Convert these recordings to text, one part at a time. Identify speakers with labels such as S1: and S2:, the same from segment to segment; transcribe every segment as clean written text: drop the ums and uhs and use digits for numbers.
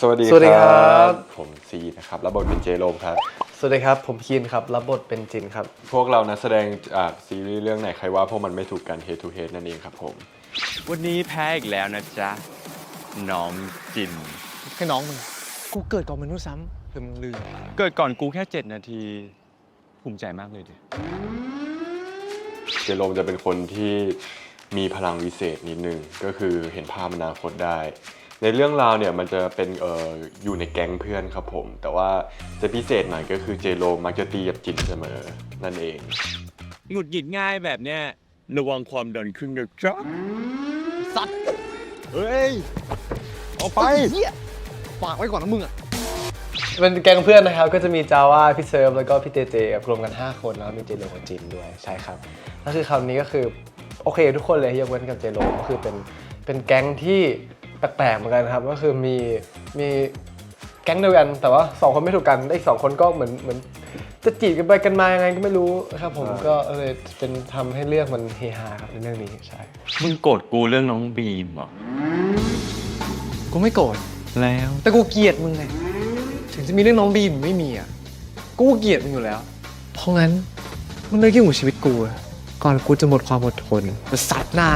S1: สวัสดีครับผมซีนะครับรับบทเป็นเจโรมครับ
S2: สวัสดีครับผมคีนครับรับบทเป็นจินครับ
S1: พวกเรานักแสดงจากซีรีส์เรื่องไหนใครว่าพวกมันไม่ถูกกัน Head to Head นั่นเองครับผม
S3: วันนี้แพ้อีกแล้วนะจ๊ะน้องจิน
S4: แค่น้องมึงกูเกิดก่อนมนุษย์ซ้ำหรือมึงลืม
S3: เกิดก่อนกูแค่7 นาทีภูมิใจมากเลยดิ
S1: เจโรมจะเป็นคนที่มีพลังวิเศษนิดนึงก็คือเห็นภาพอนาคตได้ในเรื่องราวเนี่ยมันจะเป็นอยู่ในแก๊งเพื่อนครับผมแต่ว่าจะพิเศษหน่อยก็คือเจโรมมักจะตีกับจินเสมอนั่นเอง
S3: หงุดหงิดง่ายแบบเนี้ยระวังความดันขึ้นนะจ๊ะ
S4: สัตว์
S3: เฮ้ยเอาไป
S4: เฮียฝากไว้ก่อนนะมึงอ่ะ
S2: เป็นแก๊งเพื่อนนะครับก็จะมีจาว่าพี่เซิร์ฟแล้วก็พี่เจเจรวมกัน5 คนแล้วมีเจโรกับจินด้วยใช่ครับแล้วคือคราวนี้ก็คือโอเคทุกคนเลยยกเว้นกับเจโรก็คือเป็นแก๊งที่แปลกๆเหมือนกันครับก็คือมีแก๊งเดียวกันแต่ว่า2 คนไม่ถูกกันได้อีก2 คนก็เหมือนจะจีบกันไปกันมายังไงก็ไม่รู้ครับผมก็เลยเป็นทำให้เรื่องมันเฮฮาครับในเรื่องนี้ใช่
S3: มึงโกรธกูเรื่องน้องบีมเหรอ
S4: กูไม่โกรธ
S3: แล้ว
S4: แต่กูเกลียดมึงไงถึงจะมีเรื่องน้องบีมไม่มีอ่ะกูเกลียดมึงอยู่แล้วเพราะงั้นมันเลยยุ่งกับชีวิตกูก่อนกูจะหมดความอดทนจะสัตว์หน้า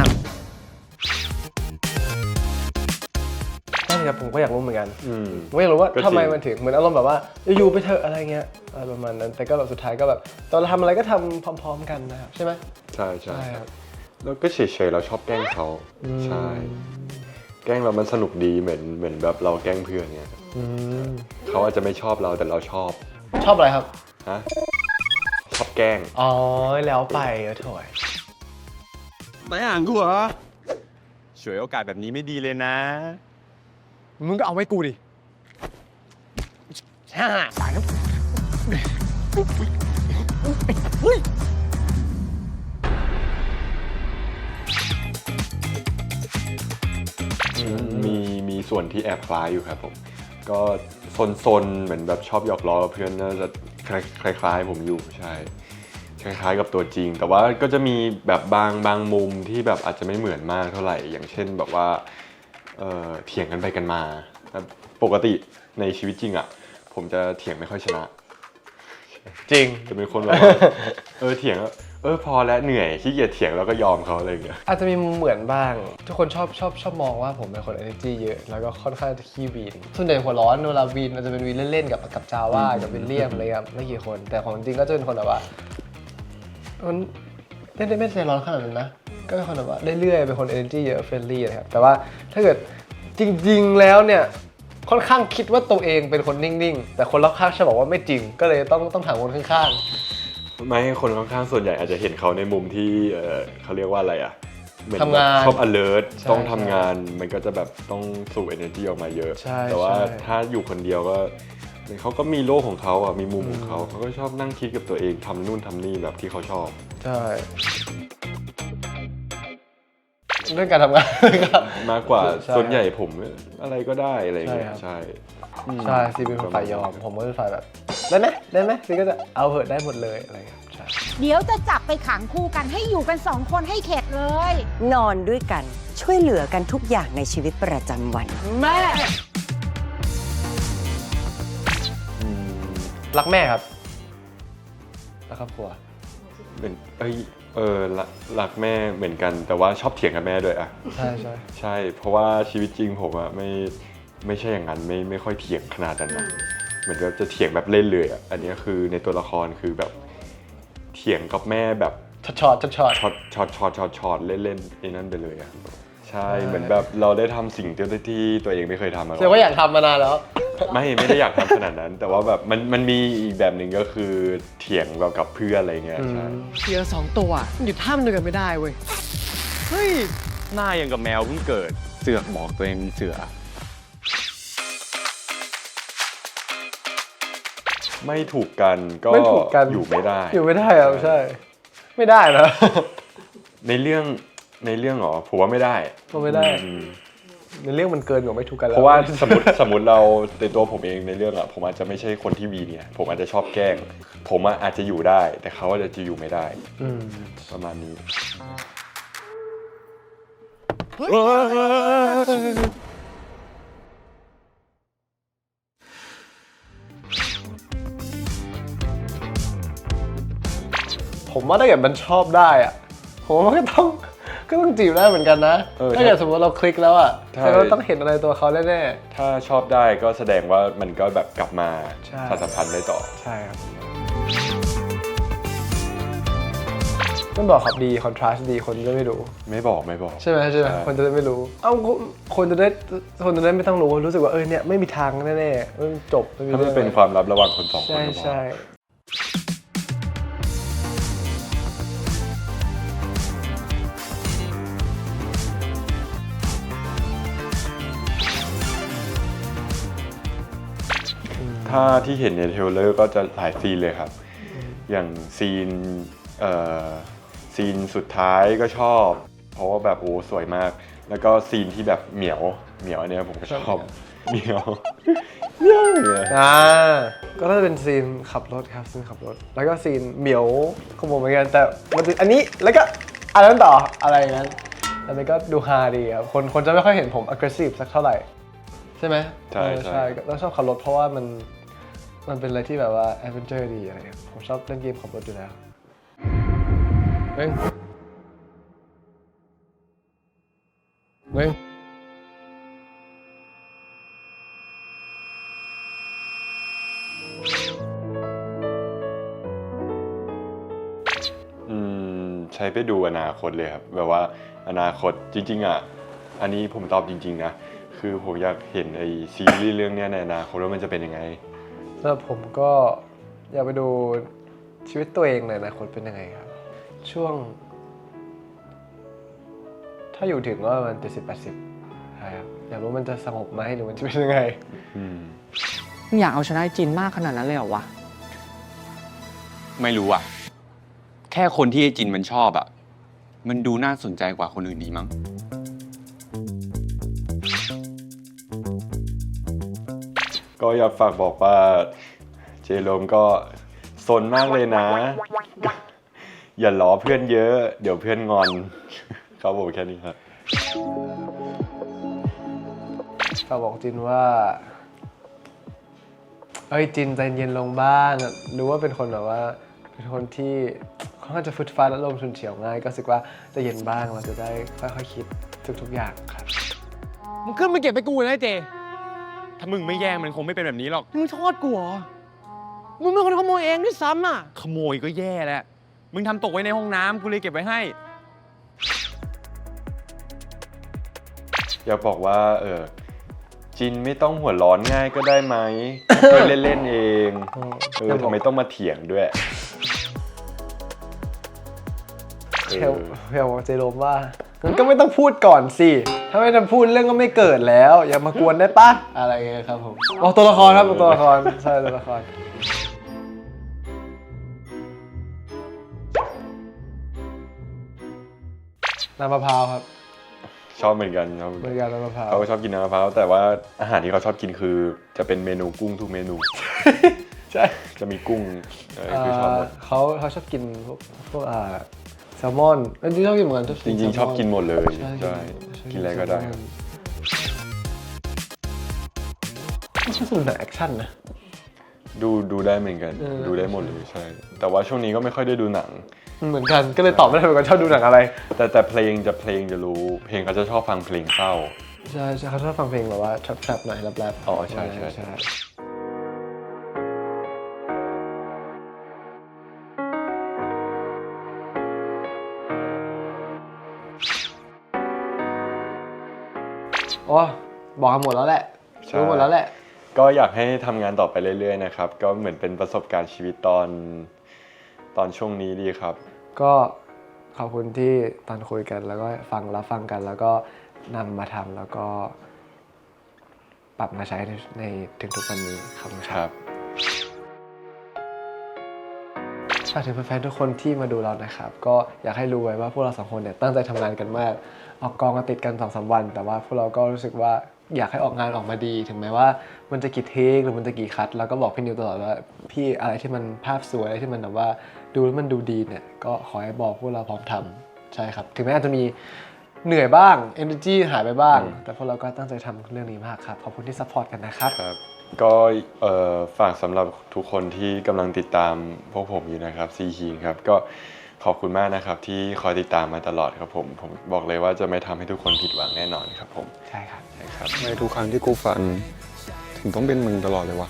S2: นั่นครับผมก็อยากรู้เหมือนกันผมอยากรู้ว่าทำไมมันถึงเหมือนอารมณ์แบบว่าอยู่ไปเถอะอะไรเงี้ยอะไรประมาณนั้นแต่ก็แบบสุดท้ายก็แบบตอนเราทำอะไรก็ทำพร้อมๆกันนะครับใช่ไหม
S1: ใช่ใช่ครับแล้วก็เฉยๆเราชอบแกล้งเขาใช่แกล้งเรามันสนุกดีเหมือนแบบเราแกล้งเพื่อนเนี่ยเขาอาจจะไม่ชอบเราแต่เราชอบ
S2: อะไรครับ
S1: ฮะชอบแกล้ง
S2: อ๋อแล้วไปโถย
S3: ไม่อ่านกูเหรอช่วยโอกาสแบบนี้ไม่ดีเลยนะ
S4: มึงก็เอาไว้กูดิตายแล้ว
S1: มีส่วนที่แอบคล้ายอยู่ครับผมก็ซนเหมือนแบบชอบหยอกล้อกับเพื่อนน่าจะคล้ายๆผมอยู่ใช่คล้ายๆกับตัวจริงแต่ว่าก็จะมีแบบบางมุมที่แบบอาจจะไม่เหมือนมากเท่าไหร่อย่างเช่นแบบว่าเถียงกันไปกันมาปกติในชีวิตจริงอ่ะผมจะเถียงไม่ค่อยชนะ
S2: จริง
S1: จะเป็นคนแบบเถียงพอแล้วเหนื่อยขี้เกียจเถียงแล้วก็ยอมเขาอะไรอย่างเงี้ย
S2: อาจจะมีเหมือนบ้างทุกคนชอบมองว่าผมเป็นคน energy เยอะแล้วก็ค่อนข้างจะขี้วีนส่วนใหญ่หัวร้อนเวลาวีนมันจะเป็นวีนเล่นๆกับจาว่ากับวิลเลียมอะไรครับไม่กี่คนแต่ของจริงก็จะเป็นคนแบบว่ามันไม่ใจร้อนขนาดนั้นนะก็เป็นคนแบบว่าเรื่อยๆเป็นคน energy เยอะเฟรนลี่นะครับแต่ว่าถ้าเกิดจริงๆแล้วเนี่ยค่อนข้างคิดว่าตัวเองเป็นคนนิ่งๆแต่คนรอบข้างจะบอกว่าไม่จริงก็เลยต้องถามคนข้าง
S1: ๆไม่คนข้างๆส่วนใหญ่อาจจะเห็นเขาในมุมที่เขาเรียกว่าอะไรอ่ะ
S2: ทำงาน
S1: ชอบ alert ต้องทำงานมันก็จะแบบต้องสูบ energy ออกมาเยอะแต่ว่าถ้าอยู่คนเดียวก็เขาก็มีโลกของเขาอ่ะมีมุมของเขาก็ชอบนั่งคิดกับตัวเองทำนู่นทำนี่แบบที่เขาชอบ
S2: ใช่เรื่องการทำงาน
S1: มากกว่าส่วนใหญ่ผมอะไรก็ได้อะไรอย่างเงี้ยใช่
S2: ซีเป็นฝ่ายยอมผมก็เป็นฝ่ายแบบได้ไหมซีก็จะเอาเหอะได้หมดเลยอะไรครับใช่
S5: เดี๋ยวจะจับไปขังคู่กันให้อยู่กัน2 คนให้เข็ดเลย
S6: นอนด้วยกันช่วยเหลือกันทุกอย่างในชีวิตประจำวัน
S2: แม่รักแม่ครับรักครอบครัว
S1: เป็นรักแม่เหมือนกันแต่ว่าชอบเถียงกับแม่ด้วยอ่ะใช่เพราะว่าชีวิตจริงผมอ่ะไม่ใช่อย่างนั้นไม่ค่อยเถียงขนาดนั้นนะเหมือนกับจะเถียงแบบเล่นเลยอ่ะอันนี้คือในตัวละครคือแบบเถียงกับแม่แบบ
S2: ช็อต
S1: เล่นไอ้นั่นไปเลยอ่ะใช่เหมือนแบบเราได้ทำสิ่งที่ตัวเองไม่เคยทำมาก่อน
S2: แสดงว่าอยากทำมานานแล้ว
S1: ไม่ได้อยากทำขนาดนั้นแต่ว่าแบบมันมีอีกแบบหนึ่งก็คือเถียงแบบกับเพื่อนอะไรเงี้ยใช่
S4: เสือ2 ตัวอยู่ท่ามเดียวกันไม่ได้เว้ย
S3: เฮ้ยหน้ายังกับแมวเพิ่งเกิดเสือกบอกตัวเองเสือ
S1: ไม่ถูกกันก็อยู่ไม่ได้
S2: ครับใช่ไม่ได้นะ
S1: ในเรื่องหรอผมว่าไม่ได้
S2: ในเรื่องมันเกินกว่าไม่ถูกกันแล้ว
S1: เพราะว่าสมมติเราในตัวผมเองในเรื่องอะผมอาจจะไม่ใช่คนที่วีเนี่ยผมอาจจะชอบแกล้งผมอาจจะอยู่ได้แต่เขาอาจจะอยู่ไม่ได้ประมาณนี้
S2: ผมว่าถ้าเกิดมันชอบได้อะผมว่าก็ต้องจีบได้เหมือนกันนะ ถ้าเกิดสมมติเราคลิกแล้วอะแต่เราต้องเห็นอะไรตัวเขาแน่
S1: ถ้าชอบได้ก็แสดงว่ามันก็แบบกลับมา
S2: ใช่
S1: สานสัมพันธ์ได้ต่อ
S2: ๆใช่ครับมันบอกครับดีคอนทราสต์ดีคนจะไม่รู้
S1: ไม่บอก
S2: ใช่ไหมคนจะได้ไม่รู้คนจะได้ไม่ต้องรู้รู้สึกว่าเนี่ยไม่มีทางแน่ๆมันจบไม่มี
S1: ถ้ามัน
S2: เรื่อง
S1: เป็นความลับระหว่างคนสองคน
S2: ใช่
S1: ก็พอ
S2: ใช่
S1: ถ้าที่เห็นในเทรลเลอร์ก็จะหลายซีนเลยครับ อย่างซีนสุดท้ายก็ชอบ เพราะว่าแบบโอ้สวยมาก แล้วก็ซีนที่แบบเหมียวอันเนี้ยผมก็ชอบเหมียวเนี่ย
S2: ก็น่าจะเป็นซีนขับรถครับซีนขับรถแล้วก็ซีนเหมียวของผมเหมือนกันแต่มันจะอันนี้แล้วก็อันนั้นต่ออะไรอย่างนั้นอันนี้ก็ดูฮาดีครับคนจะไม่ค่อยเห็นผม aggressive สักเท่าไหร่ใช่ไหม
S1: ใช่
S2: ใช่แล้วชอบขับรถเพราะว่ามันเป็นอะไรที่แบบว่า adventure ดีอะไรครับผมชอบเล่นเกมขับรถอยู่แล้วเฮ้ย
S1: ใช้ไปดูอนาคตเลยครับแบบว่าอนาคตจริงๆอ่ะอันนี้ผมตอบจริงๆนะคือผมอยากเห็นไอซีรีส์เรื่องเนี้ยในอนาคตว่ามันจะเป็นยังไง
S2: สำหรับผมก็อยากไปดูชีวิตตัวเองในอนาคตเป็นยังไงครับช่วง ถ้าอยู่ถึงก็ประมาณ70-80ใช่ครับอยากรู้มันจะสงบไหมหรือมันจะเป็นยังไง
S7: มึงอยากเอาชนะไอ้จินมากขนาดนั้นเลยเหรอวะ
S3: ไม่รู้อ่ะ แค่คนที่ไอ้จินมันชอบอ่ะ มันดูน่าสนใจกว่าคนอื่นดีมั้ง
S1: ก็อยากฝากบอกว่าเจโรมก็ซนมากเลยนะ อย่าล้อเพื่อนเยอะ เดี๋ยวเพื่อนงอน ครับผมแค่นี้ครับ
S2: ฝากบอกจินว่าจินใจเย็นลงบ้างรู้ว่าเป็นคนแบบว่าเป็นคนที่ค่อนข้างจะฟึดฟัดและลมณ์ฉุนเฉียวง่ายก็รู้สึกว่าใจะเย็นบ้างเราจะได้ค่อยๆคิดทุกๆอย่างครับ
S4: มึงขึ้นมาเก็บไปกูนะไอ้เจ
S3: ถ้ามึงไม่แย่งมันคงไม่เป็นแบบนี้หรอก
S4: มึงโทษกูเหรอ มึงเป็นคนขโมยเองด้วยซ้ำอ่ะ
S3: ขโมยก็แย่แหละ มึงทำตกไว้ในห้องน้ำกูเลยเก็บไว้ให้
S1: อยากบอกว่าจินไม่ต้องหัวร้อนง่ายก็ได้ไหม ก็เล่นๆเองทำไมต้องมาเถียงด้วย
S2: เพียวบอกเจโรมว่างั้นก็ไม่ต้องพูดก่อนสิถ้าไม่ทำพูดเรื่องก็ไม่เกิดแล้ว อย่ามากวนได้ปะอะไรเงี้ยครับผมตัวละครครับตัวละครใช่ตัวละครน้ำมะพร้าวครับ
S1: ชอบเหมือนกันครับ
S2: บริการน้ำมะพร้าว
S1: เขาก็ชอบกินน้ำมะพร้าวแต่ว่าอาหารที่เขาชอบกินคือจะเป็นเมนูกุ้งทุกเมนู
S2: ใช่
S1: จะมีกุ้งคือชอบหมด
S2: เขาชอบกินพวกแซลมอนจริงๆชอบกินเหมือนกัน
S1: จริงๆชอบกินหมดเลย
S2: ใช่
S1: ใช่กินอะไรก็ได้ครับ
S2: ไม่ใช่สูตรหนังแอคชั่นนะ
S1: ดูได้เหมือนกัน ดูได้หมดเลยใช่ แต่ว่าช่วงนี้ก็ไม่ค่อยได้ดูหนัง
S2: เหมือนกันก็เลยตอบไม่ได้เหมือนกันชอบดูหนังอะไร
S1: แต่เพลงจะรู้ เพลงเขาจะชอบฟังเพลงเศร้า
S2: ใช่เขาชอบฟังเพลงแบบว่าแทรปๆหน่อยแรปๆ
S1: อ๋อใช่
S2: โอ้บอกกันหมดแล้วแหละ
S1: ใช่
S2: รู้หมดแล้วแหละ
S1: ก็อยากให้ทำงานต่อไปเรื่อยๆนะครับ ก็เหมือนเป็นประสบการณ์ชีวิตตอนช่วงนี้ดีครับ
S2: ก็ขอบคุณที่ตอนคุยกันแล้วก็รับฟังกันแล้วก็นำมาทำแล้วก็ปรับมาใช้ในถึงทุกวันนี้ครับ
S1: ครับ
S2: ฝากถึงแฟนๆทุกคนที่มาดูเรานะครับก็อยากให้รู้ไว้ว่าพวกเราสองคนเนี่ยตั้งใจทำงานกันมากออกกองกันติดกัน 2-3 วัน แต่ว่าพวกเราก็รู้สึกว่าอยากให้ออกงานออกมาดีถึงแม้ว่ามันจะกี่เทคหรือมันจะกี่คัทเราก็บอกพี่นิวตลอดว่าพี่อะไรที่มันภาพสวยอะไรที่มันแบบว่าดูแล้วมันดูดีเนี่ยก็ขอให้บอกพวกเราพร้อมทำใช่ครับถึงแม้อาจจะมีเหนื่อยบ้าง energy หายไปบ้าง แต่พวกเราก็ตั้งใจทำเรื่องนี้มากครับขอบคุณที่ซัพพอร์ตกันนะครับ
S1: ครับก็ฝากสำหรับทุกคนที่กำลังติดตามพวกผมอยู่นะครับซีคีครับก็ขอบคุณมากนะครับที่คอยติดตามมาตลอดครับผมบอกเลยว่าจะไม่ทำให้ทุกคนผิดหวังแน่นอนครับผม
S2: ใช่ครับ
S1: ใช่ครับ
S8: ในทุกครั้งที่กูฝัน ถึงต้องเป็นมึงตลอดเลยวะ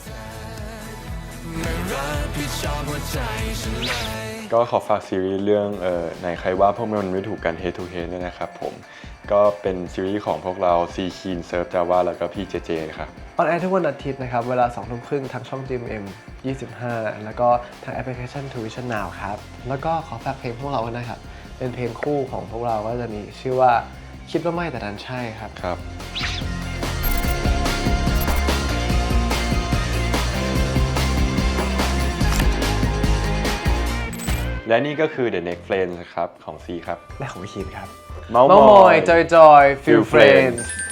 S1: ก็ขอฝากซีรีส์เรื่องไหนใครว่าพวกมันไม่ถูกกัน Head to Head ด้วยนะครับผมก็เป็นซีรีส์ของพวกเราซีคีนเซิร์ฟจาว่าแล้วก็พี่เจเจครับ
S2: ออนแอร์ทุกวันอาทิตย์นะครับ เวลา 2 ทุ่มครึ่งทางช่อง GMM 25 แล้วก็ทางแอปพลิเคชัน Tuition Now ครับ แล้วก็ขอฝากเพลงพวกเราด้วยนะครับ เป็นเพลงคู่ของพวกเราก็จะมีชื่อว่าคิดว่าไม่แต่ดันใช่ครับ
S1: ครับ และนี่ก็คือ The Next Friends ครับของซีครับ
S2: และของพี่คินครับ
S1: เมาส์
S2: เมามอยจอยจอยฟิล
S1: Feel
S2: เฟรน
S1: Friends
S2: ด์